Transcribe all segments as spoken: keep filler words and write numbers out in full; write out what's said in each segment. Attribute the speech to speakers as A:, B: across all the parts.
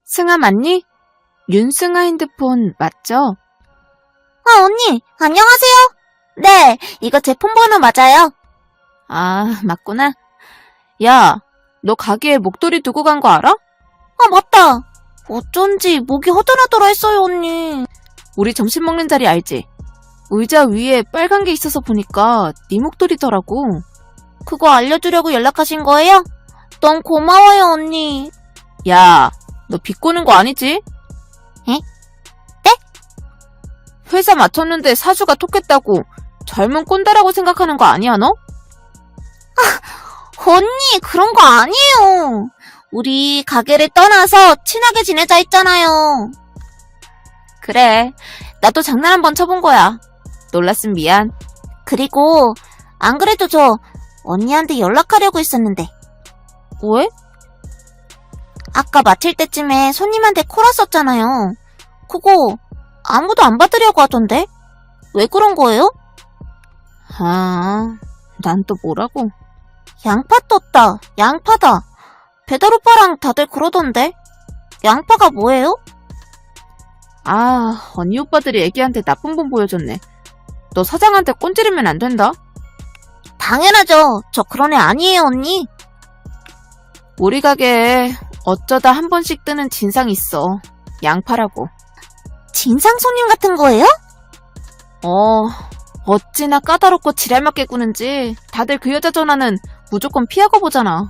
A: 승아 맞니? 윤승아 핸드폰 맞죠?
B: 아, 언니, 안녕하세요. 네, 이거 제 폰번호 맞아요.
A: 아, 맞구나. 야, 너 가게에 목도리 두고 간 거 알아?
B: 아, 맞다. 어쩐지 목이 허전하더라 했어요, 언니.
A: 우리 점심 먹는 자리 알지? 의자 위에 빨간 게 있어서 보니까 네 목도리더라고.
B: 그거 알려주려고 연락하신 거예요? 너무 고마워요, 언니.
A: 야, 너 비꼬는 거 아니지?
B: 에? 네?
A: 회사 마쳤는데 사주가 톡했다고 젊은 꼰대라고 생각하는 거 아니야, 너?
B: 아, 언니, 그런 거 아니에요. 우리 가게를 떠나서 친하게 지내자 했잖아요.
A: 그래, 나도 장난 한번 쳐본 거야. 놀랐음 미안.
B: 그리고 안 그래도 저 언니한테 연락하려고 했었는데.
A: 왜?
B: 아까 마칠 때쯤에 손님한테 콜 왔었잖아요. 그거 아무도 안 받으려고 하던데? 왜 그런 거예요?
A: 아, 난 또 뭐라고?
B: 양파 떴다. 양파다. 배달 오빠랑 다들 그러던데. 양파가 뭐예요?
A: 아, 언니 오빠들이 애기한테 나쁜 본 보여줬네. 너 사장한테 꼰지르면 안 된다.
B: 당연하죠. 저 그런 애 아니에요, 언니.
A: 우리 가게에 어쩌다 한 번씩 뜨는 진상이 있어. 양파라고.
B: 진상 손님 같은 거예요?
A: 어, 어찌나 까다롭고 지랄맞게 구는지 다들 그 여자 전화는 무조건 피하고 보잖아.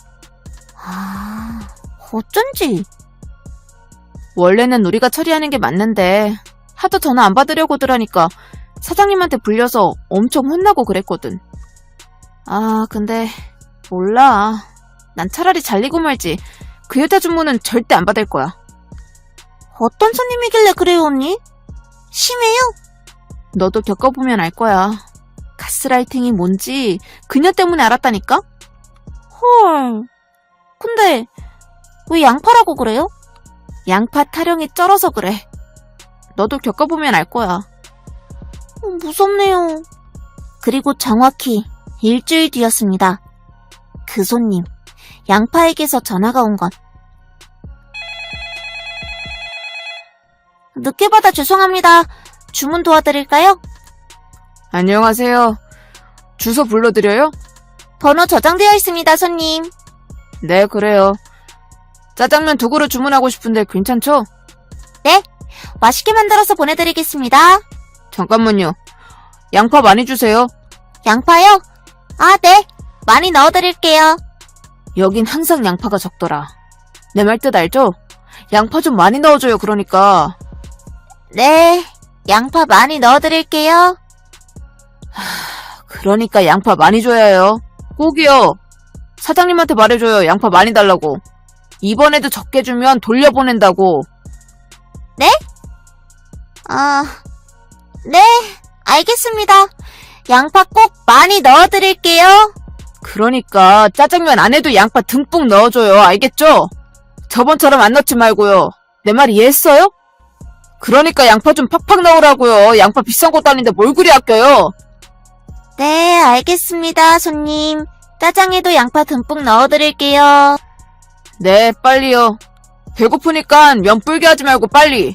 B: 아, 어쩐지.
A: 원래는 우리가 처리하는 게 맞는데 하도 전화 안 받으려고들 하니까 사장님한테 불려서 엄청 혼나고 그랬거든. 아, 근데 몰라. 난 차라리 잘리고 말지. 그 여자 주문은 절대 안 받을 거야.
B: 어떤 손님이길래 그래요, 언니? 심해요?
A: 너도 겪어보면 알 거야. 가스라이팅이 뭔지 그녀 때문에 알았다니까?
B: 헐. 근데 왜 양파라고 그래요?
A: 양파 타령이 쩔어서 그래. 너도 겪어보면 알 거야.
B: 어, 무섭네요. 그리고 정확히 일주일 뒤였습니다. 그 손님, 양파에게서 전화가 온 건. 늦게 받아 죄송합니다. 주문 도와드릴까요?
A: 안녕하세요. 주소 불러드려요?
B: 번호 저장되어 있습니다, 손님.
A: 네, 그래요. 짜장면 두 그릇 주문하고 싶은데 괜찮죠?
B: 네, 맛있게 만들어서 보내드리겠습니다.
A: 잠깐만요. 양파 많이 주세요.
B: 양파요? 아, 네. 많이 넣어드릴게요.
A: 여긴 항상 양파가 적더라. 내 말 뜻 알죠? 양파 좀 많이 넣어줘요, 그러니까.
B: 네, 양파 많이 넣어드릴게요.
A: 그러니까 양파 많이 줘야 해요. 꼭이요. 사장님한테 말해줘요. 양파 많이 달라고. 이번에도 적게 주면 돌려보낸다고.
B: 네? 아, 네, 알겠습니다. 양파 꼭 많이 넣어드릴게요.
A: 그러니까 짜장면 안에도 양파 듬뿍 넣어줘요. 알겠죠? 저번처럼 안 넣지 말고요. 내 말 이해했어요? 그러니까 양파 좀 팍팍 넣으라고요. 양파 비싼 것도 아닌데 뭘 그리 아껴요.
B: 네, 알겠습니다, 손님. 짜장에도 양파 듬뿍 넣어드릴게요.
A: 네, 빨리요. 배고프니까 면 불게 하지 말고 빨리.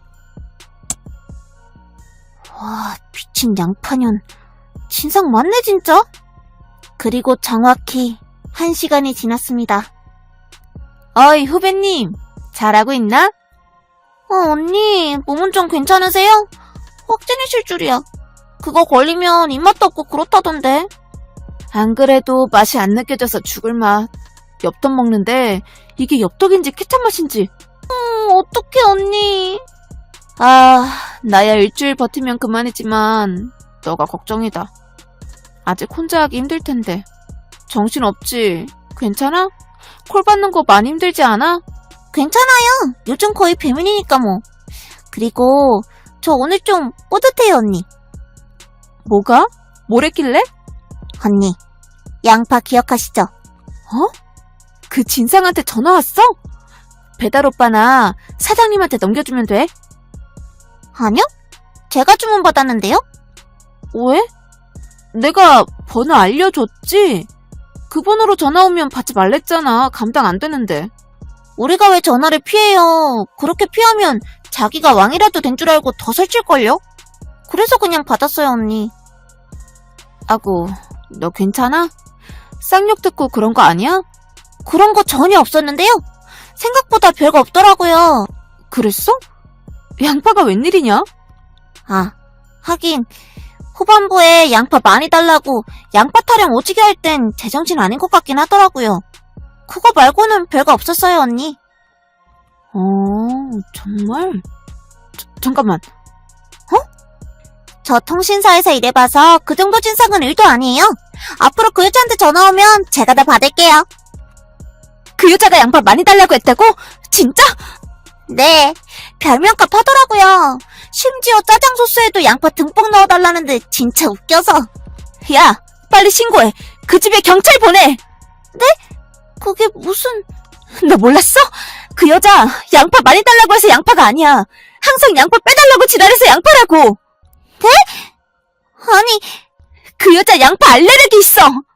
B: 와, 미친 양파년. 진상 맞네, 진짜. 그리고 정확히 한 시간이 지났습니다.
A: 어이, 후배님. 잘하고 있나?
B: 어, 언니, 몸은 좀 괜찮으세요? 확진이실 줄이야. 그거 걸리면 입맛도 없고 그렇다던데.
A: 안 그래도 맛이 안 느껴져서 죽을 맛. 엽떡 먹는데 이게 엽떡인지 케찹 맛인지.
B: 음, 어떡해, 언니.
A: 아, 나야 일주일 버티면 그만이지만 너가 걱정이다. 아직 혼자 하기 힘들 텐데. 정신없지? 괜찮아? 콜 받는 거 많이 힘들지 않아?
B: 괜찮아요. 요즘 거의 배민이니까 뭐. 그리고 저 오늘 좀 뿌듯해요, 언니.
A: 뭐가? 뭘 했길래?
B: 언니, 양파 기억하시죠?
A: 어? 그 진상한테 전화 왔어? 배달 오빠나 사장님한테 넘겨주면 돼?
B: 아니요? 제가 주문받았는데요?
A: 왜? 내가 번호 알려줬지? 그 번호로 전화 오면 받지 말랬잖아. 감당 안 되는데.
B: 우리가 왜 전화를 피해요? 그렇게 피하면 자기가 왕이라도 된 줄 알고 더 설칠걸요? 그래서 그냥 받았어요, 언니.
A: 아고, 너 괜찮아? 쌍욕 듣고 그런 거 아니야?
B: 그런 거 전혀 없었는데요? 생각보다 별거 없더라고요.
A: 그랬어? 양파가 웬일이냐?
B: 아, 하긴 후반부에 양파 많이 달라고 양파 타령 오지게 할 땐 제정신 아닌 것 같긴 하더라고요. 그거 말고는 별거 없었어요, 언니.
A: 어, 정말? 저, 잠깐만.
B: 저 통신사에서 일해봐서 그 정도 진상은 일도 아니에요. 앞으로 그 여자한테 전화 오면 제가 다 받을게요.
A: 그 여자가 양파 많이 달라고 했다고? 진짜?
B: 네, 별명값 하더라고요. 심지어 짜장 소스에도 양파 듬뿍 넣어달라는데 진짜 웃겨서.
A: 야, 빨리 신고해. 그 집에 경찰 보내.
B: 그게 무슨...
A: 너 몰랐어? 그 여자 양파 많이 달라고 해서 양파가 아니야. 항상 양파 빼달라고 지랄해서 양파라고.
B: 아니,
A: 그 여자 양파 알레르기 있어.